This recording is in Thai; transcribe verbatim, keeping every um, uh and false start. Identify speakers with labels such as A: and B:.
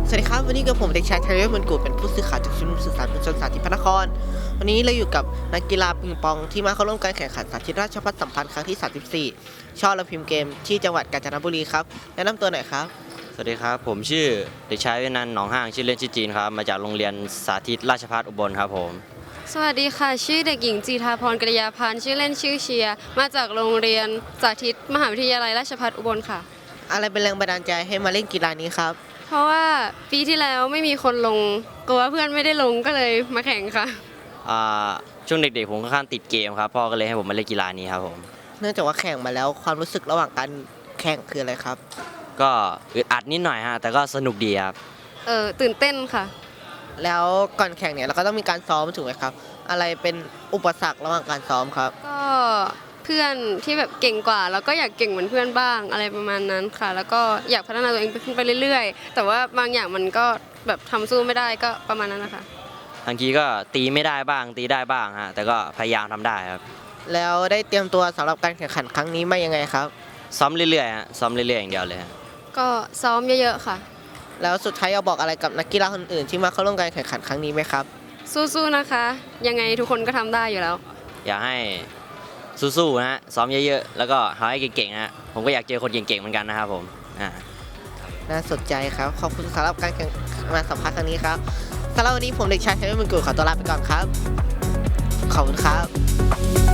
A: สวัสดีครับวันนี้กับผมเด็กชายไทเรศมันกูเป็นผู้สื่อข่าวจากชุมนุมสื่อสารมวลชนสาธิตพระนครวันนี้เราอยู่กับนักกีฬาปิงปองที่มาเข้าร่วมการแข่งขันสาธิตราชภัฏสัมพันธ์ครั้งที่สามสิบสี่ช่อระพิมพ์เกมที่จังหวัดกาญจนบุรีครับแนะนำตัวหน่อยครับ
B: สวัสดีครับผมชื่อเด็กชายเวนันท์หนองห้างชื่อเล่นชื่อจีนครับมาจากโรงเรียนสาธิตราชภัฏอุบลครับผม
C: สวัสดีค่ะชื่อเด็กหญิงจีทาพรกริยาพันธ์ชื่อเล่นชื่อเชียร์มาจากโรงเรียนสาธิตมหาวิทยาลัยราชภัฏอุบลค่ะ
A: อะไรเป็นแรงบันดาลใจให้มาเล่นกีฬานี้ครับ
C: เพราะว่าปีที่แล้วไม่มีคนลงกลัวเพื่อนไม่ได้ลงก็เลยมาแข่งค่ะ
B: อ่าช่วงเด็กๆผมค่อนข้างติดเกมครับพ่อก็เลยให้ผมมาเล่นกีฬานี้ครับผม
A: เนื่องจากว่าแข่งมาแล้วความรู้สึกระหว่างการแข่งคืออะไรครับ
B: ก็อึดอัดนิดหน่อยฮะแต่ก็สนุกดีครับ
C: เออตื่นเต้นค่ะ
A: แล้วก่อนแข่งเนี่ยเราก็ต้องมีการซ้อมถูกไหมครับอะไรเป็นอุปสรรคระหว่างการซ้อมครับ
C: ก็เพื่อนที่แบบเก่งกว่าแล้วก็อยากเก่งเหมือนเพื่อนบ้างอะไรประมาณนั้นค่ะแล้วก็อยากพัฒนาตัวเองขึ้นไปเรื่อยๆแต่ว่าบางอย่างมันก็แบบทำสู้ไม่ได้ก็ประมาณนั้นนะคะ
B: บางทีก็ตีไม่ได้บ้างตีได้บ้างฮะแต่ก็พยายามทำได้ครับ
A: แล้วได้เตรียมตัวสำหรับการแข่งขันครั้งนี้มายังไงครับ
B: ซ้อมเรื่อยๆฮะซ้อมเรื่อยๆอย่างเดียวเลย
C: ก็ซ้อมเยอะๆค่ะ
A: แล้วสุดท้ายอยากบอกอะไรกับนักกีฬาคนอื่นที่มาเข้าร่วมการแข่งขันครั้งนี้ไหมครับ
C: สู้ๆนะคะยังไงทุกคนก็ทำได้อยู่แล้ว
B: อยากให้สู้ๆนะฮะซ้อมเยอะๆแล้วก็หาให้เก่งๆนะฮะผมก็อยากเจอคนเก่งๆเหมือนกันนะครับผมอ่า
A: น่าสนใจครับขอบคุณสำหรับการแข่งมาสัมภาษณ์ครั้งนี้ครับสำหรับวันนี้ผมเด็กชายเทวินมุนกุลขอตัวลาไปก่อนครับขอบคุณครับ